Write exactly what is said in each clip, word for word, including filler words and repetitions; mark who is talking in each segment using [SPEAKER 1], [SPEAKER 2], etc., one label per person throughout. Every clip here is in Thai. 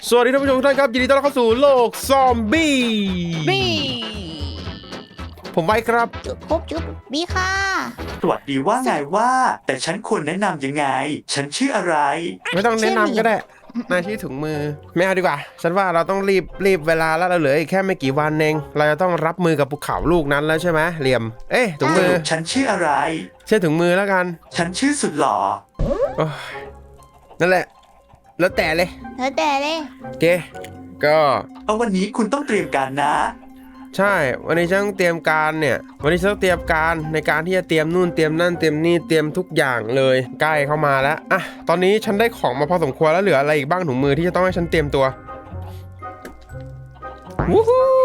[SPEAKER 1] สวัสดีท่านผู้ชมทุกท่านครับยินดีต้อนรับเข้าสู่โลกซอมบี้
[SPEAKER 2] บี้
[SPEAKER 1] ผมไว้ครับ
[SPEAKER 2] จุ๊บพบจุ๊บบีค่ะ
[SPEAKER 3] สวัสดีว่าไงว่า แต่ฉันควรแนะนำยังไง ฉันชื่ออะไร
[SPEAKER 1] ไม่ต้องแนะนำก็ได้นายชื่อถุงมือไม่เอาดีกว่าฉันว่าเราต้องรีบรีบเวลาแล้วเราเหลืออีกแค่ไม่กี่วันเองเราจะต้องรับมือกับภูเขาลูกนั้นแล้วใช่ไหมเหลี่ยมเอ๊ะถุงมือ
[SPEAKER 3] ฉันชื่ออะไร
[SPEAKER 1] เชื่อถุงมือแล้วกัน
[SPEAKER 3] ฉันชื่อสุดหล่อ
[SPEAKER 1] โอ้ยนั่นแหละแล้วแต่เลย
[SPEAKER 2] เธอแต่เลย
[SPEAKER 1] โอเคก็
[SPEAKER 3] เอาวันนี้คุณต้องเตรียมการนะ
[SPEAKER 1] ใช่วันนี้ฉันต้องเตรียมการเนี่ยวันนี้ฉันต้องเตรียมการในการที่จะเตรียมนู่นเตรียมนั่นเตรียมนี่เตรียมทุกอย่างเลยใกล้เข้ามาแล้วอ่ะตอนนี้ฉันได้ของมาพอสมควรแล้วเหลืออะไรอีกบ้างถุงมือที่จะต้องให้ฉันเตรียมตัววู้ฮู้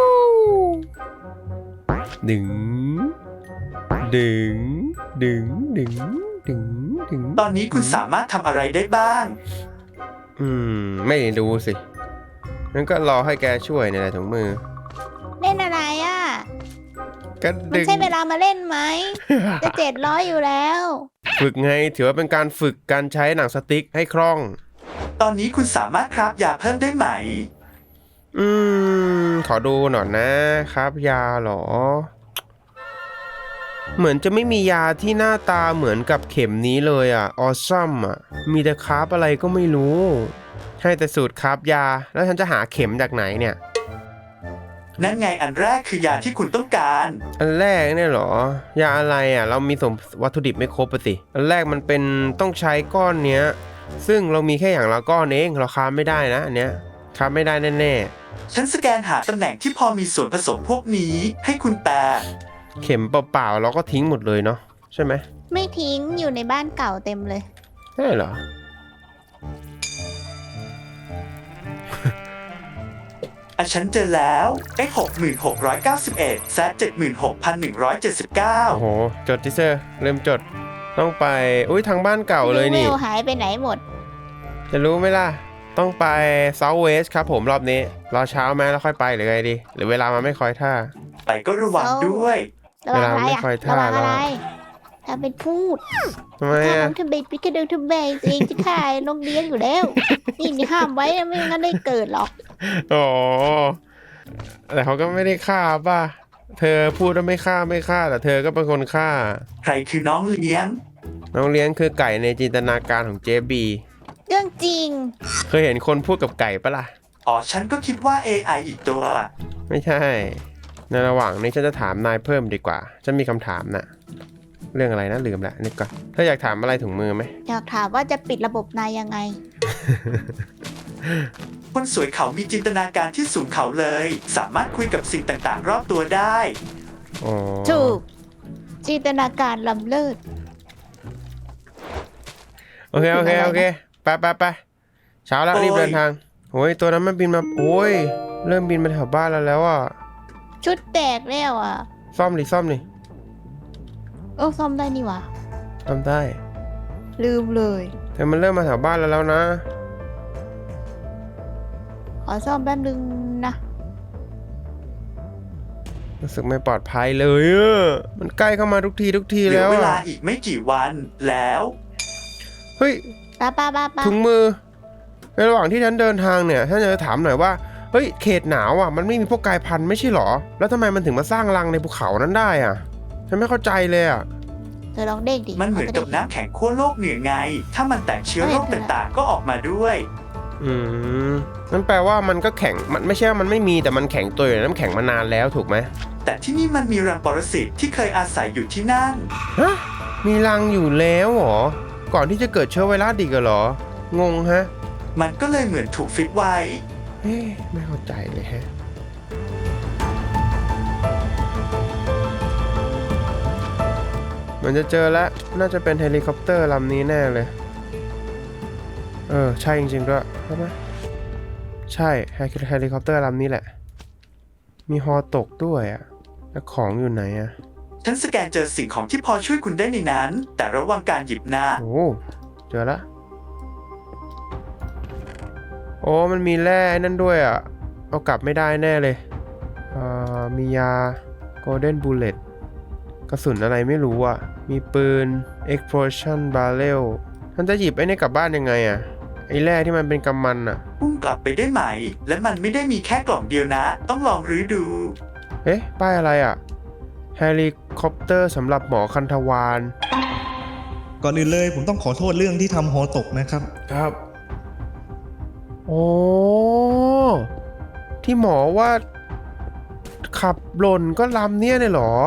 [SPEAKER 1] ดึงดึงดึงดึงดึงดึง
[SPEAKER 3] ตอนนี้คุณสามารถทำอะไรได้บ้าง
[SPEAKER 1] อืมไม่ดูสิงั้นก็รอให้แกช่วยเนี่ยแหละถุงมือ
[SPEAKER 2] เล่นอะไรอ่ะ
[SPEAKER 1] ก็
[SPEAKER 2] มัน
[SPEAKER 1] ดึง
[SPEAKER 2] ใช่เวลามาเล่นไหม จะเจ็ดร้อยอยู่แล้ว
[SPEAKER 1] ฝึกไงถือว่าเป็นการฝึกการใช้หนังสติ๊กให้คล่อง
[SPEAKER 3] ตอนนี้คุณสามารถคราฟยาเพิ่มได้ไหม
[SPEAKER 1] อืมขอดูหน่อยนะครับยาเหรอ เหมือนจะไม่มียาที่หน้าตาเหมือนกับเข็มนี้เลยอ่ะออซัมอ่ะมีแต่คราฟอะไรก็ไม่รู้ให้แต่สูตรคราฟยาแล้วฉันจะหาเข็มจากไหนเนี่ย
[SPEAKER 3] นั่นไงอันแรกคือยาที่คุณต้องการ
[SPEAKER 1] อันแรกเนี่ยเหรอยาอะไรอ่ะเรามีสมวัตถุดิบไม่ครบปะสิอันแรกมันเป็นต้องใช้ก้อนเนี้ยซึ่งเรามีแค่อย่างละก้อนเองเราคราฟไม่ได้นะอันเนี้ยคราฟไม่ได้แน่ๆ
[SPEAKER 3] ฉันสแกนหาตำแหน่งที่พอมีส่วนผสมพวกนี้ให้คุณแปล
[SPEAKER 1] เข็มเปล่าๆเราก็ทิ้งหมดเลยเนาะใช่ไหม
[SPEAKER 2] ไม่ทิ้งอยู่ในบ้านเก่าเต็มเลย
[SPEAKER 1] ใช่เหรอ
[SPEAKER 3] อ่ะฉันเจอแล้ว x หกหมื่นหกร้อยเก้าสิบเอ็ด z เจ็ดหมื่นหกพันหนึ่งร้อยเจ็ดสิบเก้า
[SPEAKER 1] โอ้โหจดทิเซอร์เริ่มจดต้องไปอุ้ยทางบ้านเก่าเลยนี่
[SPEAKER 2] เวลหายไปไหนหมด
[SPEAKER 1] จะรู้ไหมล่ะ ต้องไป South West ครับผมรอบนี้รอเช้าไหมแล้วค่อยไปหรือไงดี หรือเวลามันไม่คอยท่า
[SPEAKER 3] ไปก็ระวัง
[SPEAKER 2] เอา
[SPEAKER 3] ด้วย
[SPEAKER 2] ระวังอะไร
[SPEAKER 1] เวลาไม่
[SPEAKER 2] อ่ะ
[SPEAKER 1] ค่อยท่า
[SPEAKER 2] ระวังอะไร
[SPEAKER 1] แล้ว
[SPEAKER 2] ถ้าเป็นพูด
[SPEAKER 1] ทำไม
[SPEAKER 2] ถ้า
[SPEAKER 1] อ่ะ
[SPEAKER 2] น้องทำเบปิกระเดิงทำเบยเองจะขายนกเลี้ยงอยู่แล้ว นี่นี่ห้ามไว้นะไม่งั้นได้เกิดหรอก
[SPEAKER 1] อ๋อแต่เขาก็ไม่ได้ฆ่าป่ะ เธอพูดว่าไม่ฆ่าไม่ฆ่าแต่เธอก็เป็นคนฆ่า
[SPEAKER 3] ใครคือน้องเลี้ยง
[SPEAKER 1] น้องเลี้ยงคือไก่ในจินตนาการของเจบี
[SPEAKER 2] เรื่องจริง
[SPEAKER 1] เคยเห็นคนพูดกับไก่ปะล่ะ
[SPEAKER 3] อ๋อฉันก็คิดว่า เอ ไอ อีกตัว
[SPEAKER 1] ไม่ใช่ ในระหว่างนี้ฉันจะถามนายเพิ่มดีกว่า ฉันมีคำถามนะเรื่องอะไรนะลืมละนึกก่อนเธออยากถามอะไรถุงมือไหม
[SPEAKER 2] อยากถามว่าจะปิดระบบนายยังไง
[SPEAKER 3] คนสวยเขามีจินตนาการที่สูงเขาเลย สามารถคุยกับสิ่งต่างๆ รอบตัวได้
[SPEAKER 1] อ๋อ
[SPEAKER 2] ถูก จินตนาการล้ำเลิศ
[SPEAKER 1] โอเค โอเค โอเค ไปไปไปเช้าแล้ว
[SPEAKER 3] โอ้ย
[SPEAKER 1] รีบเดินทางโอ้ย ตัวนั้นมันบินมา โอ้ย เริ่มบินมาแถวบ้านเราแล้วอ่ะ
[SPEAKER 2] ชุดแตกแล้วอ่ะ
[SPEAKER 1] ซ่อมดิ ซ่อมดิ
[SPEAKER 2] โอ้ซ่อมได้นี่หว่า
[SPEAKER 1] ซ่อมได้
[SPEAKER 2] ลืมเลย
[SPEAKER 1] แต่มันเริ่มมาแถวบ้านเราแล้วนะ
[SPEAKER 2] ขอซ่อมแป๊บนึงนะ
[SPEAKER 1] รู้สึกไม่ปลอดภัยเลยอะมันใกล้เข้ามาทุกทีทุกที
[SPEAKER 3] เหลื
[SPEAKER 1] แล้
[SPEAKER 3] อ
[SPEAKER 1] ว
[SPEAKER 3] เวลา
[SPEAKER 1] อะ
[SPEAKER 3] อีกไม่กี่วันแล้ว
[SPEAKER 1] เฮ้ย
[SPEAKER 2] ป้าป้าป้าป้า
[SPEAKER 1] ถุงมือในระหว่างที่ฉันเดินทางเนี่ยท่านจะถามหน่อยว่าเฮ้ยเขตหนาวอ่ะมันไม่มีพวกกายพันธุ์ไม่ใช่หรอแล้วทำไมมันถึงมาสร้างรังในภูเขานั้นได้อ่ะฉันไม่เข้าใจเลยอ่ะ
[SPEAKER 2] เธอลองเด้งดิ
[SPEAKER 3] มันเหมือนกับน้ำแข็งขั้วโลกเหนือไง ถ้ามันแตกเชื้อโรคต่างๆ ก็ออกมาด้วย
[SPEAKER 1] อืมนั่นแปลว่ามันก็แข็งมันไม่ใช่ว่ามันไม่มีแต่มันแข็งตัวอยู่ในน้ำแข็งมานานแล้วถูกไหม
[SPEAKER 3] แต่ที่นี่มันมีรังปรสิตที่เคยอาศัยอยู่ที่นั่น
[SPEAKER 1] ฮะมีรังอยู่แล้วเหรอก่อนที่จะเกิดเชื้อไวรัสอีกเหรองงฮะ
[SPEAKER 3] มันก็เลยเหมือนถูกฟิตไว้
[SPEAKER 1] เฮ้ไม่เข้าใจเลยฮะมันจะเจอแล้วน่าจะเป็นเฮลิคอปเตอร์ลำนี้แน่เลยเออใช่จริงๆด้วยใช่ไหมใช่เฮลิคอปเตอร์ลำนี้แหละมีฮอตกด้วยอ่ะแล้วของอยู่ไหนอ่ะ
[SPEAKER 3] ฉันสแกนเจอสิ่งของที่พอช่วยคุณได้ในนั้น แต่ระวังการหยิบนะ
[SPEAKER 1] โอ้เจอละโอ้มันมีแร่นั่นด้วยอ่ะเอากลับไม่ได้แน่เลยอ่ามียา Golden Bullet กระสุนอะไรไม่รู้อ่ะมีปืน Explosion Barrel ท่านจะหยิบไอ้นี่กลับบ้านยังไงอ่ะไอ้แร่ที่มันเป็นกำมันอะ
[SPEAKER 3] พุ่งกลับไปได้ไหม และมันไม่ได้มีแค่กล่องเดียวนะ ต้องลองรื้อดู
[SPEAKER 1] เอ๊ะป้ายอะไรอะเฮลิคอปเตอร์สำหรับหมอคันธวาน
[SPEAKER 4] ก่อนอื่นเลยผมต้องขอโทษเรื่องที่ทำหอตกนะครับ
[SPEAKER 1] ครับ โอ้ที่หมอว่าขับหล่นก็ลำเนี่ยเลยเหรอ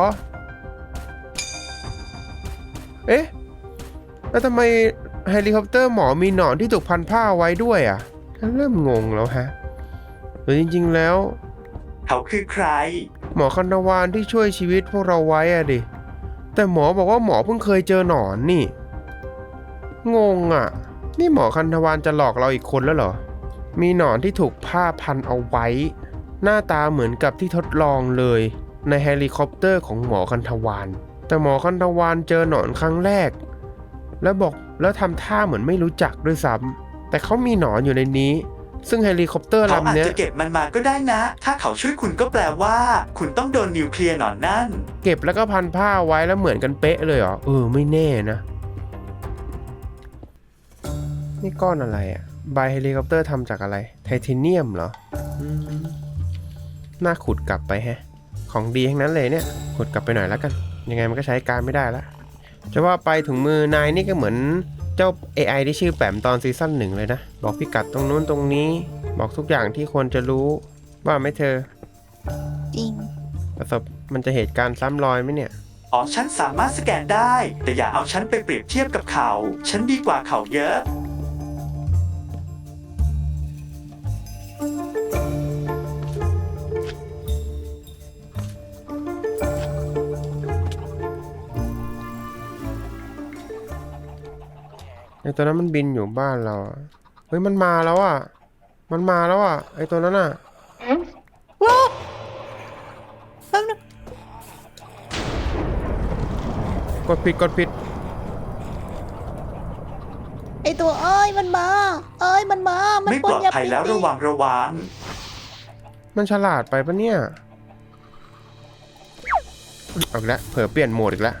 [SPEAKER 1] เอ๊ะ แล้วทำไมเฮลิคอปเตอร์หมอมีหนอนที่ถูกพันผ้าไว้ด้วยอ่ะฉันเริ่มงงแล้วฮะหรือจริงๆแล้ว
[SPEAKER 3] เขาคือใคร
[SPEAKER 1] หมอคันธวานที่ช่วยชีวิตพวกเราไว้อะดิ แต่หมอบอกว่าหมอเพิ่งเคยเจอหนอนนี่ งงอ่ะ นี่หมอคันธวานจะหลอกเราอีกคนแล้วเหรอ มีหนอนที่ถูกผ้าพันเอาไว้ หน้าตาเหมือนกับที่ทดลองเลยในเฮลิคอปเตอร์ของหมอคันธวานแต่หมอคันธวานเจอหนอนครั้งแรก แล้วบอกแล้วทำท่าเหมือนไม่รู้จักด้วยซ้ำแต่เขามีหนอนอยู่ในนี้ ซึ่งเฮลิคอปเตอร์
[SPEAKER 3] เขาอาจ
[SPEAKER 1] ลำเนี้ย
[SPEAKER 3] จะเก็บมันมาก็ได้นะ ถ้าเขาช่วยคุณก็แปลว่า คุณต้องโดนนิวเคลียร์หนอนนั่น
[SPEAKER 1] เก็บแล้วก็พันผ้าไว้แล้วเหมือนกันเป๊ะเลยเหรอ เออไม่แน่นะ นี่ก้อนอะไรอะใบเฮลิคอปเตอร์ทำจากอะไร ไทเทเนียมเหรออืมน่าขุดกลับไปแฮะ ของดีทั้งนั้นเลยเนี่ย ขุดกลับไปหน่อยแล้วกัน ยังไงมันก็ใช้การไม่ได้ละจะว่าไปถุงมือนายนี่ก็เหมือนเจ้า เอ ไอ ที่ชื่อแปมตอนซีซั่นหนึ่งเลยนะ บอกพิกัดตรงนู้นตรงนี้ บอกทุกอย่างที่ควรจะรู้ ว่าไหมเธอ
[SPEAKER 2] จริง
[SPEAKER 1] ประสบมันจะเหตุการณ์ซ้ำรอยไหมเนี่ย
[SPEAKER 3] อ๋อฉันสามารถสแกนได้ แต่อย่าเอาฉันไปเปรียบเทียบกับเขา ฉันดีกว่าเขาเยอะ
[SPEAKER 1] ไอตัวนั้นมันบินอยู่บ้านเราอะเฮ้ยมันมาแล้วอ่ะ มันมาแล้วอ่ะไอตัวนั้นอ่ะ
[SPEAKER 2] ว้าวแป๊บนึง
[SPEAKER 1] กดผิดกดผิด
[SPEAKER 2] ไอตัวเอ้ยมันมา เอ้ยมันมา มัน
[SPEAKER 3] ไม่
[SPEAKER 2] ป
[SPEAKER 3] ป
[SPEAKER 2] น
[SPEAKER 3] ลอด
[SPEAKER 2] ยา
[SPEAKER 3] ภัย
[SPEAKER 2] พิษ
[SPEAKER 3] แล้วระวังระวัง
[SPEAKER 1] มันฉลาดไปปะเนี่ยเอาอีกแล้วเผลอเปลี่ยนโหมดอีกแล้ว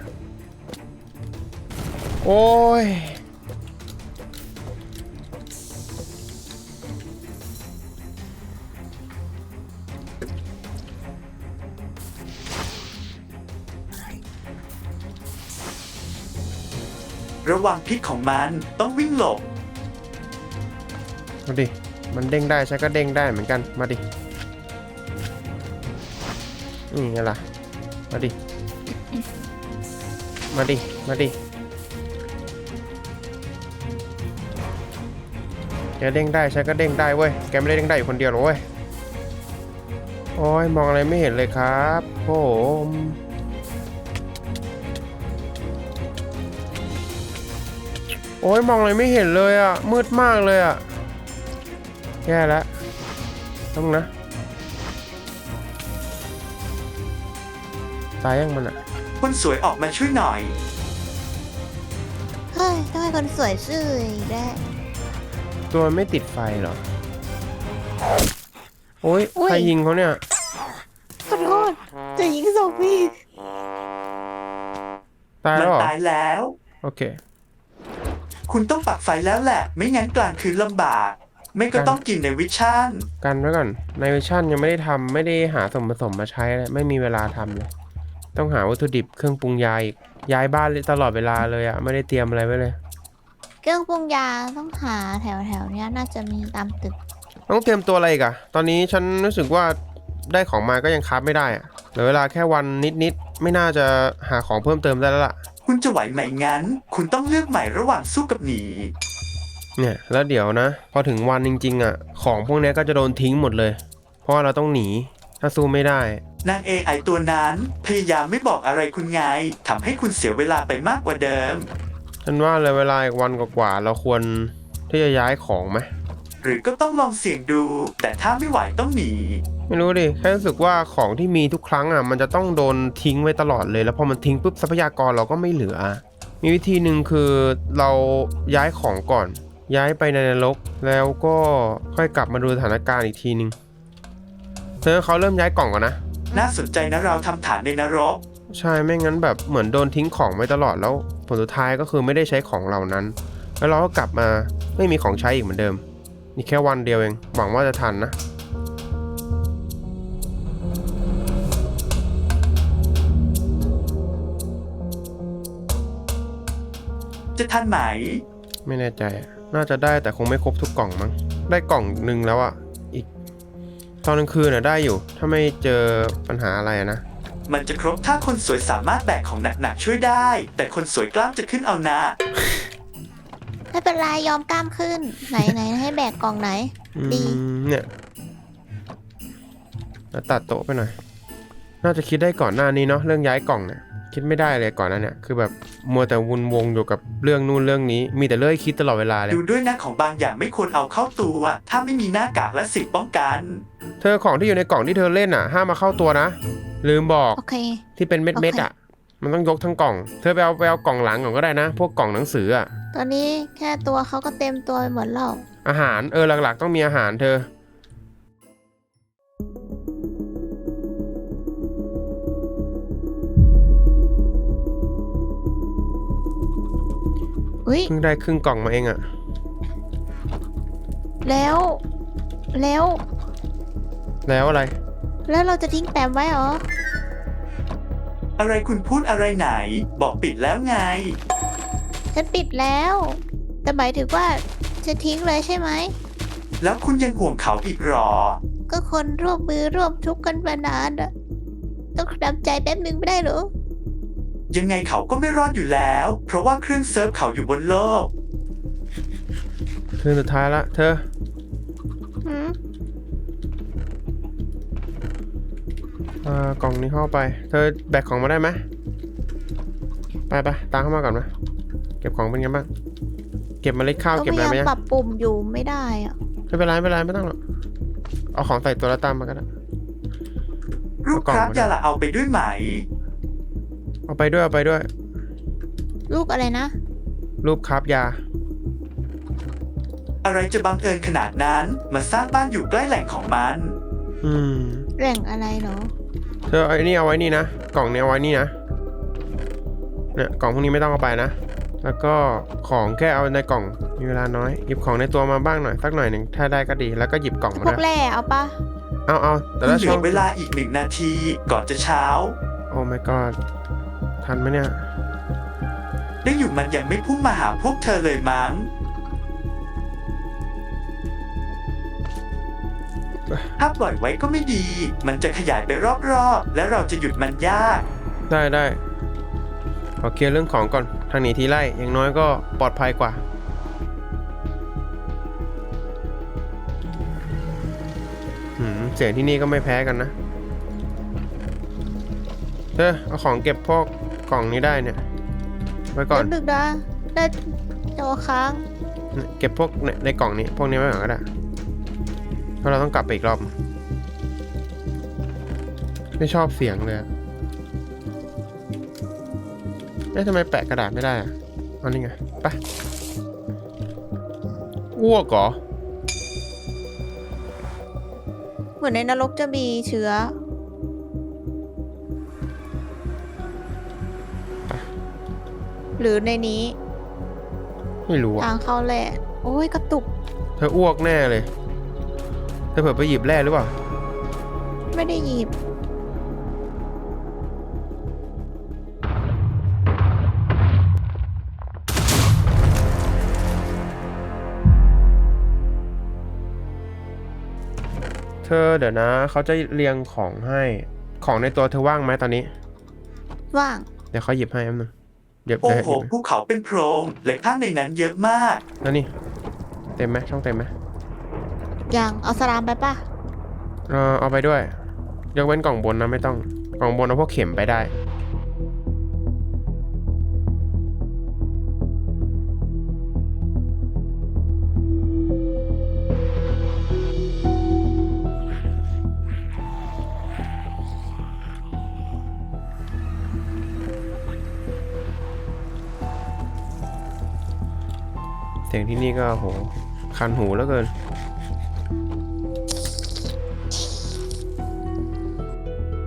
[SPEAKER 1] โอ้ย
[SPEAKER 3] ระวังพิษของมันต้องวิ่งหลบ
[SPEAKER 1] มาดิ มันเด้งได้ฉันก็เด้งได้เหมือนกัน มาดิ นี่ไงล่ะ มาดิ มาดิ มาดิ แกเด้งได้ฉันก็เด้งได้เว้ย แกไม่ได้เด้งได้อยู่คนเดียวหรอกเว้ย โอ้ยมองอะไรไม่เห็นเลยครับผมโอ้ยมองอะไรไม่เห็นเลยอ่ะ มืดมากเลยอ่ะ แย่แล้วต้องนะ ตายยังมันอ่ะ
[SPEAKER 3] คนสวยออกมาช่วยหน่อย
[SPEAKER 2] เฮ้ยทำไมคนสวยซื่ออีกแล้ว
[SPEAKER 1] ตัวมันไม่ติดไฟเหรอ โอ้ย
[SPEAKER 2] อุ๊ย
[SPEAKER 1] ใครยิงเขาเนี่ย
[SPEAKER 2] ขอโทษจะยิงศพพี่
[SPEAKER 1] ตาย
[SPEAKER 3] มั
[SPEAKER 1] แล้วเหรอ
[SPEAKER 3] ตายแล้ว
[SPEAKER 1] โอเค
[SPEAKER 3] คุณต้องปักไฟแล้วแหละ ไม่งั้นกลางคืนลำบาก ไม่ก็ต้องกินในวิชั่น
[SPEAKER 1] กันไว้ก่อนในวิชั่นยังไม่ได้ทำไม่ได้หาส่วนผสมมาใช้เลยไม่มีเวลาทำเลย ต้องหาวัตถุดิบเครื่องปรุงยาอีกย้ายบ้านตลอดเวลาเลยอะไม่ได้เตรียมอะไรไว้เลย
[SPEAKER 2] เครื่องปรุงยาต้องหาแถวแถวๆเนี้ยน่าจะมีตามตึก
[SPEAKER 1] ต้องเตรียมตัวอะไรอีกอะตอนนี้ฉันรู้สึกว่าได้ของมาก็ยังคราฟไม่ได้อะเหลือเวลาแค่วันนิดๆไม่น่าจะหาของเพิ่มเติมได้แล้วล่ะ
[SPEAKER 3] คุณจะไหวไหมงั้น คุณต้องเลือกใหม่ระหว่างสู้กับหนี
[SPEAKER 1] เนี่ยแล้วเดี๋ยวนะ พอถึงวันจริงๆอะของพวกนี้ก็จะโดนทิ้งหมดเลย เพราะว่าเราต้องหนีถ้าสู้ไม่ได้
[SPEAKER 3] นาง เอ ไอ ตัวนั้นพยายามไม่บอกอะไรคุณไงทำให้คุณเสียเวลาไปมากกว่าเดิม
[SPEAKER 1] ฉันว่าเลยเวลาอีกวันกว่าๆเราควรที่จะย้ายของไหม
[SPEAKER 3] หรือก็ต้องลองเสี่ยงดู แต่ถ้าไม่ไหวต้องหนี
[SPEAKER 1] ไม่รู้ดิแค่รู้สึกว่าของที่มีทุกครั้งอ่ะมันจะต้องโดนทิ้งไว้ตลอดเลยแล้วพอมันทิ้งปุ๊บทรัพยากรเราก็ไม่เหลือ มีวิธีหนึ่งคือเราย้ายของก่อน ย้ายไปในนรกแล้วก็ค่อยกลับมาดูสถานการณ์อีกทีนึงเธอเขาเริ่มย้ายกล่องก่อนนะ
[SPEAKER 3] น่าสนใจนะเราทำฐานในนรก
[SPEAKER 1] ใช่ไม่งั้นแบบเหมือนโดนทิ้งของไว้ตลอดแล้วผลสุดท้ายก็คือไม่ได้ใช้ของเหล่านั้น แแล้วเราก็กลับมาไม่มีของใช้อีกเหมือนเดิมนี่แค่วันเดียวเองหวังว่าจะทันนะ
[SPEAKER 3] จะทันไหม
[SPEAKER 1] ไม่แน่ใจอะน่าจะได้แต่คงไม่ครบทุกกล่องมั้งได้กล่องหนึ่งแล้วอะอีกตอนกลางคืนน่ะได้อยู่ถ้าไม่เจอปัญหาอะไรอะนะ
[SPEAKER 3] มันจะครบถ้าคนสวยสามารถแบกของหนักๆช่วยได้ แต่คนสวยกล้ามจะขึ้นเอานะ
[SPEAKER 2] ไม่เป็นไรยอมกล้ามขึ้น ไหนไหนให้แบกกล่องไหน
[SPEAKER 1] อื
[SPEAKER 2] ดี
[SPEAKER 1] มเนี่ยแล้วตัดโต๊ะไปหน่อย น่าจะคิดได้ก่อนหน้านี้เนาะเรื่องย้ายกล่องเนี่ยคิดไม่ได้เลยก่อนหน้าเนี่ยคือแบบมัวแต่วนวงอยู่กับเรื่องนู่นเรื่องนี้ มีแต่เรื่องให้คิดตลอดเวลาเลย
[SPEAKER 3] ดูด้วยนะของบางอย่างไม่ควรเอาเข้าตัว ถ้าไม่มีหน้ากากและสิ่งป้องกัน
[SPEAKER 1] เธอของที่อยู่ในกล่องที่เธอเล่นอ่ะห้ามมาเข้าตัวนะ ลืมบอก
[SPEAKER 2] โอเค
[SPEAKER 1] ที่เป็นเม็ดเม็ดๆอ่ะมันต้องยกทั้งกล่อง เธอไปเอาไปเอากล่องหลังก่อนก็ได้นะ พวกกล่องหนังสืออ่ะ
[SPEAKER 2] ตอนนี้แค่ตัวเขาก็เต็มตัวไปหมดแล้ว
[SPEAKER 1] อาหารเออหลักๆต้องมีอาหารเธอ
[SPEAKER 2] อุ้ย
[SPEAKER 1] เพิ่งได้ครึ่งกล่องมาเองอะ
[SPEAKER 2] แล้ว แล้ว
[SPEAKER 1] แล้วอะไร
[SPEAKER 2] แล้วเราจะทิ้งแปมไว้เหรอ
[SPEAKER 3] อะไรคุณพูดอะไรไหน บอกปิดแล้วไง
[SPEAKER 2] ฉันปิดแล้ว แต่หมายถึงว่าจะทิ้งเลยใช่ไหม
[SPEAKER 3] แล้วคุณยังห่วงเขาอีกหรอ
[SPEAKER 2] ก็คนร่วมมือร่วมทุกข์กันมานานอะต้องทำใจแป๊บหนึ่งไม่ได้เหรอ
[SPEAKER 3] ยังไงเขาก็ไม่รอดอยู่แล้ว เพราะว่าเครื่องเซิร์ฟเขาอยู่บนโลก
[SPEAKER 1] เธอสุดท้ายละเธอ
[SPEAKER 2] หืม
[SPEAKER 1] อ่ากล่องนี้เข้าไป เธอแบกของมาได้ไหมไปไปตามเข้ามาก่อนมาเก็บของเป็นไงบ้างเก็บเมล็ดข้าว
[SPEAKER 2] ก็
[SPEAKER 1] เก็บ
[SPEAKER 2] พ
[SPEAKER 1] อะไร
[SPEAKER 2] ยายาม
[SPEAKER 1] ไหมยัง
[SPEAKER 2] ปรับปุ่มอยู่ไม่ได้อะ
[SPEAKER 1] ไม่เป็นไรไม่เป็นไรไม่ต้องหรอกเอาของใส่ตัวแล้วตามมาก็ได้
[SPEAKER 3] รูปครับอย่าละเอาไปด้วยไหม
[SPEAKER 1] เอาไปด้วยเอาไปด้วย
[SPEAKER 2] ลูกอะไรนะ
[SPEAKER 1] รูปคราฟยา
[SPEAKER 3] อะไรจะบังเอิญขนาดนั้น มาสร้างบ้านอยู่ใกล้แหล่งของมัน
[SPEAKER 1] อืม
[SPEAKER 2] แหล่งอะไรเหรอ
[SPEAKER 1] เธอเอาไอ้นี่เอาไว้นี่นะกล่องนี้เอาไว้นี่นะเนี่ยกล่องพวกนี้ไม่ต้องเอาไปนะ แล้วก็ของแค่เอาในกล่องมีเวลาน้อยหยิบของในตัวมาบ้างหน่อยสักหน่อยหนึ่งถ้าได้ก็ดีแล้วก็หยิบกล่องมา
[SPEAKER 2] พว
[SPEAKER 1] ด้
[SPEAKER 2] ก
[SPEAKER 1] วย
[SPEAKER 2] แร่เอาปะ
[SPEAKER 1] เอาเอาแต่
[SPEAKER 3] เห
[SPEAKER 1] ละ
[SPEAKER 3] ลื
[SPEAKER 1] ช่อ
[SPEAKER 3] อง เวลาอีกหนึ่งนาทีก่อนจะเช้า
[SPEAKER 1] โอ้ my god ทันไหมเนี่ย
[SPEAKER 3] ได้อยู่มันยังไม่พุ่งมาหาพวกเธอเลยมั้ง ถ้าปล่อยไว้ก็ไม่ดี มันจะขยายไปรอบๆ และเราจะหยุดมันยาก
[SPEAKER 1] ได้ได้ขอเคลียร์เรื่องของก่อนทางหนีทีไล่อย่างน้อยก็ปลอดภัยกว่าหืมเสียงที่นี่ก็ไม่แพ้กันนะเธอเอาของเก็บพวกกล่องนี้ได้เนี่ยไว้ก่อน
[SPEAKER 2] ดึกนะได้จอค้าง
[SPEAKER 1] เก็บพวกในในกล่องนี้พวกนี้ไว้ก่อนก็ได้เพราะเราต้องกลับไปอีกรอบไม่ชอบเสียงเลยอะเอ๊ะทำไมแปะกระดาษไม่ได้อะเอานี่ไงไปอ้วกเหรอ
[SPEAKER 2] เหมือนในนรกจะมีเชื้อ หรือในนี้
[SPEAKER 1] ไม่รู้
[SPEAKER 2] ทา
[SPEAKER 1] อะ
[SPEAKER 2] งเข้าแหละโอ้ยกระตุก
[SPEAKER 1] เธออ้วกแน่เลย เธอเผื่อไปหยิบแร่หรือเปล่า
[SPEAKER 2] ไม่ได้หยิบ
[SPEAKER 1] เธอเดี๋ยวนะเขาจะเรียงของให้ของในตัวเธอว่างไหมตอนนี้
[SPEAKER 2] ว่าง
[SPEAKER 1] เดี๋ยวเขาหยิบให้แป๊บนึงเดี๋ยว
[SPEAKER 3] โอ้
[SPEAKER 1] เดี๋ยว
[SPEAKER 3] โห
[SPEAKER 1] หยิบ
[SPEAKER 3] ภูเขาเป็นโพรงและข้างในนั้นเยอะมาก
[SPEAKER 1] แล้วนี่เต็มไหมช่องเต็มไหม
[SPEAKER 2] อย่างเอาสลามไปป่ะ
[SPEAKER 1] เออเอาไปด้วยยกเว้นกล่องบนนะไม่ต้องกล่องบนเอาพวกเข็มไปได้เสียงที่นี่ก็โหคันหูแล้วเกิน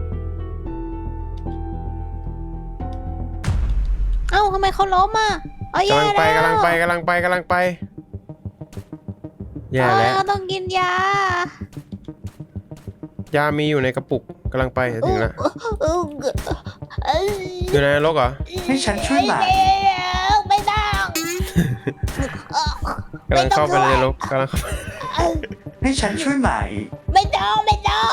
[SPEAKER 2] เอ้าทำไมเขาล้มอ่ะเอาแย่
[SPEAKER 1] กำลังไป
[SPEAKER 2] แล้ว
[SPEAKER 1] กำลังไปกำลังไปกำลังไปแย่
[SPEAKER 2] เอา
[SPEAKER 1] แล้ว
[SPEAKER 2] ต้องกินยาย
[SPEAKER 1] ามีอยู่ในกระปุกกำลังไปจะถึงแล้ว
[SPEAKER 2] อู้เอ้ย
[SPEAKER 1] อยู่ในนรกเหรอ
[SPEAKER 3] ให้ฉันช่วยไหม
[SPEAKER 2] ไม่ต้อง
[SPEAKER 1] กำลังเข้าไปในนรกกำลังเข้าไป
[SPEAKER 3] ให้ฉันช่วยไหม
[SPEAKER 2] ไม่ต้องไม่ต้อง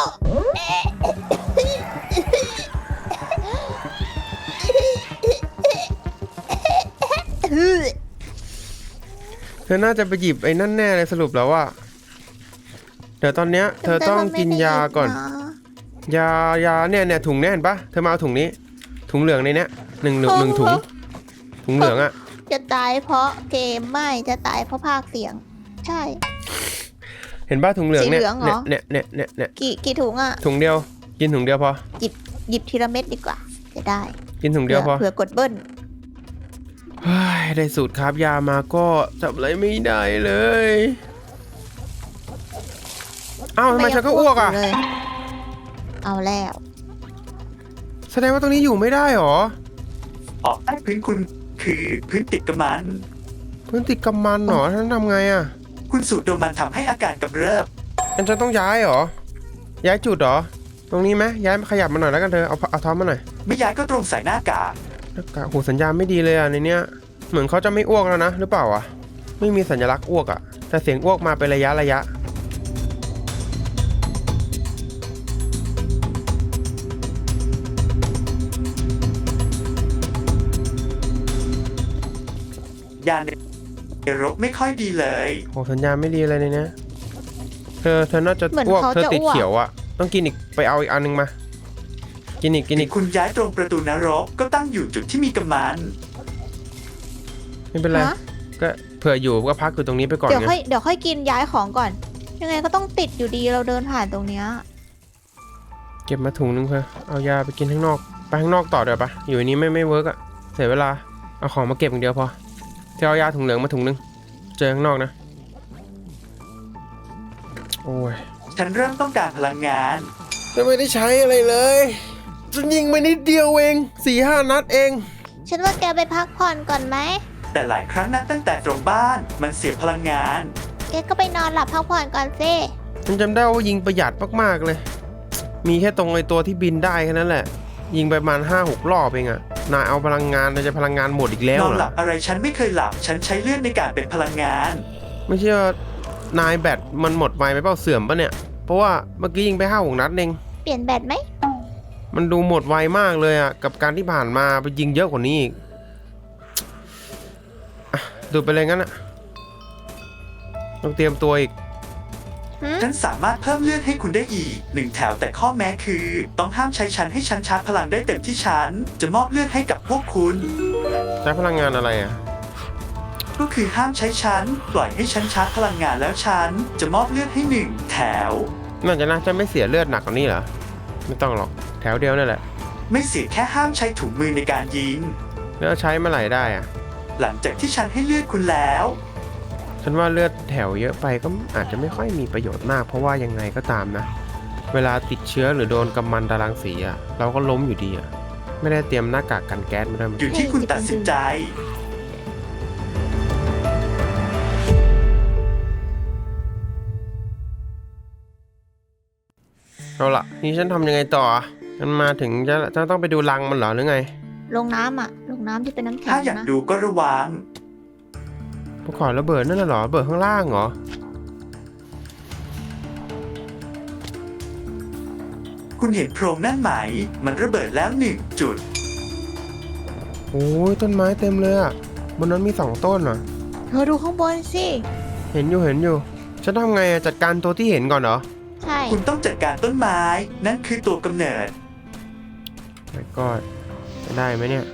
[SPEAKER 1] เธอน่าจะไปหยิบไอ้นั่นแน่เลยสรุปแล้วว่าเดี๋ยวตอนเนี้ยเธอต้องกินยาก่อน ยายาเนี่ยเนี่ยถุงเนี่ยเห็นปะเธอมาเอาถุงนี้ ถุงเหลืองในเนี้ยหนึ่งหนึ่งหนึ่งถุง ถุงเหลืองอะ
[SPEAKER 2] จะตายเพราะเกมไม่จะตายเพราะภาคเสียง ใช่
[SPEAKER 1] เห็นปะถุงเหลืองเนี่ย
[SPEAKER 2] สีเหลืองเหรอ
[SPEAKER 1] เนี่ยเนี่ยเนี่ยเนี่ย
[SPEAKER 2] กี่กี่ถุงอ่ะ
[SPEAKER 1] ถุงเดียว กินถุงเดียวพอ
[SPEAKER 2] หยิบหยิบทีละเม็ดดีกว่า จะได้
[SPEAKER 1] กินถุงเดียวพอ
[SPEAKER 2] เผื่อกดเบิ้ล
[SPEAKER 1] เฮ้ยได้สูตรคราฟยามาก็จับอะไรไม่ได้เลยอ้าวทำไมฉันก็อ้วกอ่ะ
[SPEAKER 2] เลย เอาแล้ว
[SPEAKER 1] แสดงว่าตรงนี้อยู่ไม่ได้หรอ
[SPEAKER 3] ออกใต้พื้นคุณคือพื้นติดกับมัน
[SPEAKER 1] พื้นติดกำมันหรอท่านทำไงอ่ะ
[SPEAKER 3] คุณสูดดมมันทำให้อาการกำเริบ
[SPEAKER 1] งั้นฉันต้องย้ายหรอ ย้ายจุดหรอ ตรงนี้ไหมย้ายขยับมาหน่อยแล้วกันเธอ เอาเอาท้อมมาหน่อย
[SPEAKER 3] ไม่ย้ายก็ตรงใส่หน้ากาก
[SPEAKER 1] หน้ากากโหสัญญาณไม่ดีเลยอ่ะในเนี้ย เหมือนเขาจะไม่อ้วกแล้วนะหรือเปล่าอ่ะ ไม่มีสัญลักษณ์อ้วกอ่ะ แต่เสียงอ้วกมาเป็นระยะระยะ
[SPEAKER 3] ยาในรกไม่ค่อยดีเลย
[SPEAKER 1] โหสัญญาณไม่ดีเลยในเนี้ย เธอเธอน่าจะ
[SPEAKER 2] เหมือน
[SPEAKER 1] อ้วก
[SPEAKER 2] เขา
[SPEAKER 1] เธอ
[SPEAKER 2] จะ
[SPEAKER 1] ติด
[SPEAKER 2] อ้วก
[SPEAKER 1] เขียวอ่ะ ต้องกินอีกไปเอาอีกอันนึงมา กินอีกกินอีก
[SPEAKER 3] คุณย้ายตรงประตูนรกก็ตั้งอยู่จุดที่มีกำมัน
[SPEAKER 1] ไม่เป็นไร
[SPEAKER 2] ฮะ
[SPEAKER 1] ก็เผื่ออยู่ก็พักอยู่ตรงนี้ไปก่อน
[SPEAKER 2] เดี๋ยว
[SPEAKER 1] ไง
[SPEAKER 2] ค่อยเดี๋ยวค่อยกินย้ายของก่อน ยังไงก็ต้องติดอยู่ดีเราเดินผ่านตรงเนี้ย
[SPEAKER 1] เก็บมาถุงนึงเพื่อเอายาไปกินข้างนอก ไปข้างนอกต่อเดี๋ยวปะอยู่อันนี้ไม่ไม่เวิร์กอะเสียเวลา เอาของมาเก็บอย่างเดียวพอเธอเอายาถุงเหลืองมาถุงนึง เจอข้างนอกนะ โอ้ย
[SPEAKER 3] ฉันเริ่มต้องการพลังงาน
[SPEAKER 1] จะไม่ได้ใช้อะไรเลยฉันยิงไปนิดเดียวเองสี่ห้านัดเอง
[SPEAKER 2] ฉันว่าแกไปพักผ่อนก่อนไหม
[SPEAKER 3] แต่หลายครั้งนับตั้งแต่ตรงบ้านมันเสียพลังงาน
[SPEAKER 2] แกก็ไปนอนหลับพักผ่อนก่อนสิ
[SPEAKER 1] ฉันจำได้ว่ายิงประหยัดมากๆเลย มีแค่ตรงไอตัวที่บินได้แค่นั้นแหละ ยิงไปประมาณห้าหกรอบเองอะนายเอาพลังงานนายจะพลังงานหมดอีกแล้ว
[SPEAKER 3] นอน
[SPEAKER 1] เหร
[SPEAKER 3] หลั
[SPEAKER 1] อบ
[SPEAKER 3] อะไรฉันไม่เคยหลับ ฉันใช้เลือดในการเป็นพลังงาน
[SPEAKER 1] ไม่ใช่ว่านายแบตมันหมดไวไหมเปล่าเสื่อมปะเนี่ย เพราะว่าเมื่อกี้ยิงไปห้าหกนัดเอง
[SPEAKER 2] เปลี่ยนแบตไหม
[SPEAKER 1] มันดูหมดไวมากเลยอะกับการที่ผ่านมาไปยิงเยอะกว่านี้อีกอ่ะดูไปเลยงั้นอะต้องเตรียมตัวอีก
[SPEAKER 3] ฉันสามารถเพิ่มเลือดให้คุณได้อีกหนึ่งแถวแต่ข้อแม้คือ ต้องห้ามใช้ฉันให้ฉันชาร์จพลังได้เต็มที่ฉันจะมอบเลือดให้กับพวกคุณ
[SPEAKER 1] ใช้พลังงานอะไรอะ
[SPEAKER 3] ก็คือห้ามใช้ฉันปล่อยให้ฉันชาร์จพลังงานแล้วฉันจะมอบเลือดให้หนึ่งแถว
[SPEAKER 1] น่าจะน่าจะไม่เสียเลือดหนักกว่านี้เหรอ ไม่ต้องหรอกแถวเดียวนั่นแหละ
[SPEAKER 3] ไม่เสียแค่ห้ามใช้ถุงมือในการยิง
[SPEAKER 1] แล้วใช้เมื่อไหร่ได้อะ
[SPEAKER 3] หลังจากที่ฉันให้เลือดคุณแล้ว
[SPEAKER 1] ฉันว่าเลือดแถวเยอะไปก็อาจจะไม่ค่อยมีประโยชน์มาก เพราะว่ายังไงก็ตามนะ เวลาติดเชื้อหรือโดนกำมันตารางสีอะเราก็ล้มอยู่ดีอะไม่ได้เตรียมหน้ากากกันแก๊สมาด้วย
[SPEAKER 3] อยู่ที่คุณตัดสินใจ
[SPEAKER 1] เอาละนี่ฉันทำยังไงต่อฉันมาถึงจะจะต้องไปดูรังมันเหรอหรือไง
[SPEAKER 2] ลงน้ำอ่ะ ลงน้ำที่เป็นน้ำแข็
[SPEAKER 3] ถ้าง อยาก
[SPEAKER 2] นะ
[SPEAKER 3] ดูก็ระวัง
[SPEAKER 1] ภูเขาระเบิดนั่นน่ะเหรอระเบิดข้างล่างเหรอ
[SPEAKER 3] คุณเห็นโพรงนั่นไหม มันระเบิดแล้วหนึ่งจุด
[SPEAKER 1] โอ้ยต้นไม้เต็มเลยอะบนนั้นมีสองต้นเหรอ
[SPEAKER 2] เธอดูข้างบนสิ
[SPEAKER 1] เห็นอยู่เห็นอยู่ฉันทำไงอะจัดการตัวที่เห็นก่อนเหรอ
[SPEAKER 2] ใช่
[SPEAKER 3] คุณต้องจัดการต้นไม้ นั่นคือตัวกำเนิด
[SPEAKER 1] ไม่ก็จะได้ไหมเนี่ย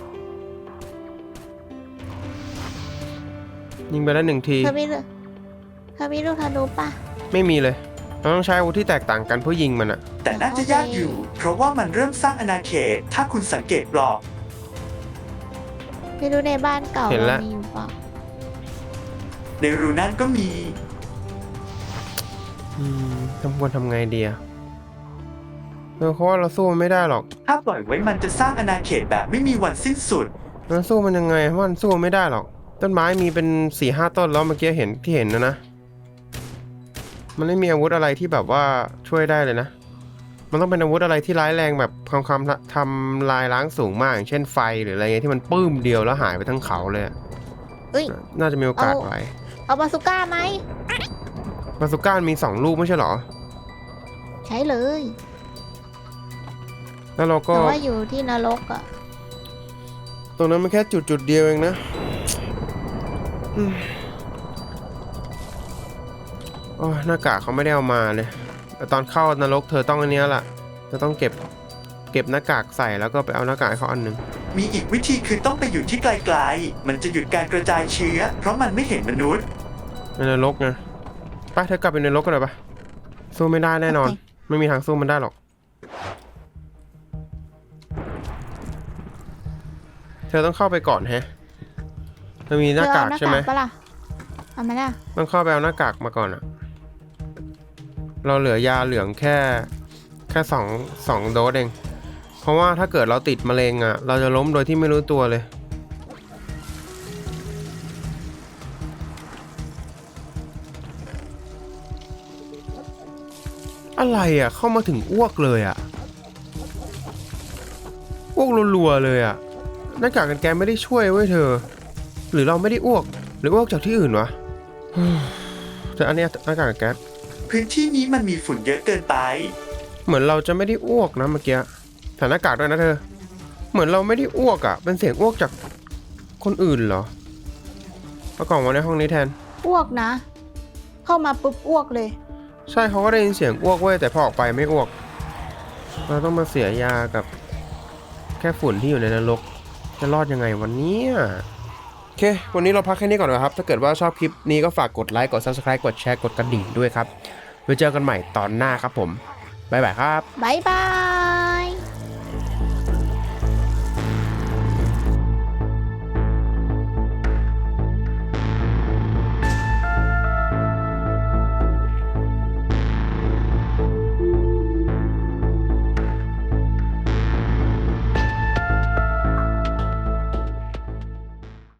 [SPEAKER 1] ยิงไปแล้วหนึ่งที
[SPEAKER 2] เธอมีลูกเธอมีลูกธนูป่ะ
[SPEAKER 1] ไม่มีเลยเราต้องใช้อาวุธที่แตกต่างกันเพื่อยิงมันอะ
[SPEAKER 3] แต่น่าจะยากอยู่ เพราะว่ามันเริ่มสร้างอาณาเขต ถ้าคุณสังเกตบล็อก
[SPEAKER 2] ไม่รู้ในบ้านเก่าเรามีอยู่เปล่า
[SPEAKER 3] ในรูนั่นก็มี
[SPEAKER 1] อืมทำควรทำไงดีอะเออเพราะว่าเราสู้มันไม่ได้หรอก
[SPEAKER 3] ถ้าปล่อยไว้มันจะสร้างอาณาเขตแบบไม่มีวันสิ้นสุด
[SPEAKER 1] มันสู้มันยังไงเพราะมันสู้ไม่ได้หรอกต้นไม้มีเป็นสี่ห้าต้นแล้วเมื่อกี้เห็นที่เห็นนะนะมันไม่มีอาวุธอะไรที่แบบว่าช่วยได้เลยนะมันต้องเป็นอาวุธอะไรที่ร้ายแรงแบบความความทำลายล้างสูงมากอย่างเช่นไฟหรืออะไรเงี้ยที่มันปื้มเดียวแล้วหายไปทั้งเขาเลยอะ
[SPEAKER 2] เอ้ย
[SPEAKER 1] น่าจะมีโอกาส
[SPEAKER 2] เอา
[SPEAKER 1] ไว้
[SPEAKER 2] เอาบาซูก้าไหม
[SPEAKER 1] บาสุก้ามีสองลูกไม่ใช่เหรอ
[SPEAKER 2] ใช้เลย
[SPEAKER 1] แล้วเราก็
[SPEAKER 2] แต่ว่าอยู่ที่นรกอะ
[SPEAKER 1] ตรงนั้นมันแค่จุดจุดเดียวเองนะอืมโอ้ยหน้ากากเขาไม่ได้เอามาเลยแต่ตอนเข้านรกเธอต้องอันเนี้ยล่ะเธอต้องเก็บเก็บหน้ากากใส่แล้วก็ไปเอาหน้ากากให้เขาอันหนึ่ง
[SPEAKER 3] มีอีกวิธีคือต้องไปอยู่ที่ไกลๆ มันจะหยุดการกระจายเชื้อ เพราะมันไม่เห็นมนุษย์
[SPEAKER 1] ในนรกไงไปเธอกลับไปในนรกกันเลยปะสู้ไม่ได้แน่นอน ไม่มีทางสู้มันได้หรอก เธอต้องเข้าไปก่อนแฮะเธอมีหน้ากากใช่ไหม
[SPEAKER 2] เธอเอาหน้ากากปะล่ะเอามาล่ะ
[SPEAKER 1] ต้องเข้าไปเอาหน้ากากมาก่อนอะเราเหลือยาเหลืองแค่แค่สองสองโดสเอง เพราะว่าถ้าเกิดเราติดมะเร็งอะเราจะล้มโดยที่ไม่รู้ตัวเลย อะไรอะเข้ามาถึงอ้วกเลยอะอ้วกรัวๆเลยอะหน้ากากกันแกไม่ได้ช่วยเว้ยเธอ หรือเราไม่ได้อ้วก หรืออ้วกจากที่อื่นวะ แต่อันเนี้ยหน้ากากกันแก๊ส
[SPEAKER 3] พื้นที่นี้มันมีฝุ่นเยอะเกินไป
[SPEAKER 1] เหมือนเราจะไม่ได้อ้วกนะเมื่อกี้ใส่หน้ากากด้วยนะเธอ เหมือนเราไม่ได้อ้วกอะ่ะ เป็นเสียงอ้วกจากคนอื่นเหรอเอากล่องมาในห้องนี้แทน
[SPEAKER 2] อ้วกนะ เข้ามาปุ๊บอ้วกเลย
[SPEAKER 1] ใช่เขาก็ได้ยินเสียงอ้วกเว้ยแต่พอออกไปไม่อ้วก เราต้องมาเสียยากับแค่ฝุ่นที่อยู่ในนรก จะรอดยังไงวันนี้โอเค วันนี้เราพักแค่นี้ก่อนนะครับ ถ้าเกิดว่าชอบคลิปนี้ก็ฝากกดไลค์ กด ซับสไครบ์ กดแชร์ กดกระดิ่งด้วยครับ ไว้เจอกันใหม่ตอนหน้าครับผม บ๊ายบายครับ
[SPEAKER 2] บายบาย